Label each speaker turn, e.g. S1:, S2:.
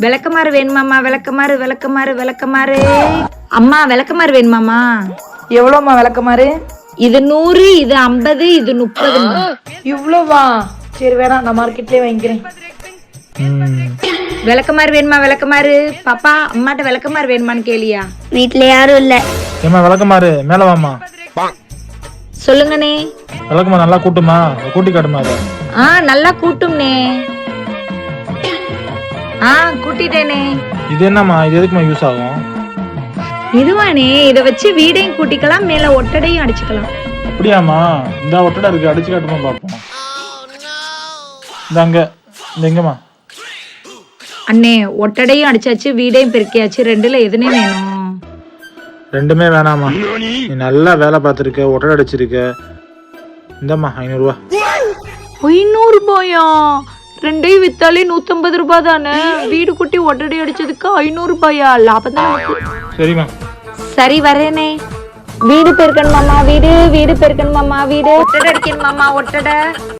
S1: விளக்கமாறு வேணுமாமா? விளக்கமாறு. அம்மா விளக்கமாறு வேணுமாமா?
S2: எவ்வளோம்மா விளக்கமாறு?
S1: இது 100, இது 50, இது 30.
S2: இவ்வளோவா? சரி வேணாம், நான் மார்க்கெட்லயே வாங்கிக்கிறேன்.
S1: விளக்கமாறு வேணுமா? விளக்கமாறு. பாப்பா அம்மாட்ட விளக்கமாறு வேணுமான்னு கேளியா?
S3: வீட்டுல யாரும் இல்ல.
S4: ஏமா விளக்கமாறு மேல வாமா.
S1: சொல்லுங்கண்ணே.
S4: விளக்கமா நல்லா கூட்டுமா, கூட்டி காட்டுமா அதை.
S1: நல்லா கூட்டும்னே. கூட்டிட்டேனே.
S4: இது என்னம்மா, இது எதுக்குமா யூஸ் ஆகும்?
S1: இதுவானே, இத வச்சு வீடையும் கூட்டிக்கலாம், மேல ஒட்டடையும் அடிச்சுக்கலாம்.
S4: அப்படியாமா? இந்த ஒட்டடை இருக்கு, அடிச்சு காட்டுமா பாப்போம். இந்தாங்க, இந்த எங்கம்மா?
S1: அண்ணே ஒட்டடையும் அடிச்சாச்சு, வீடையும் பெருக்கியாச்சு, ரெண்டுல எதுனே வேணும்?
S4: ரெண்டுமே வேணாமா, நீ நல்லா வேலை பார்த்துருக்க, ஒட்டடை அடிச்சிருக்க. இந்தம்மா 500 ரூபா.
S1: 500 ரூபாயா? ரெண்டையும் வித்தாலே 150 ரூபாய் தானே. வீடு குட்டி ஒட்டடை அடிச்சதுக்கு 500 ரூபாயா? லாபம் தான்.
S4: சரிம்மா.
S1: சரி வரேனே. வீடு பெருக்கணுமாமா? வீடு பெருக்கணுமாமா? வீடு ஒட்டடை அடிக்கணுமாமா? ஒட்டடை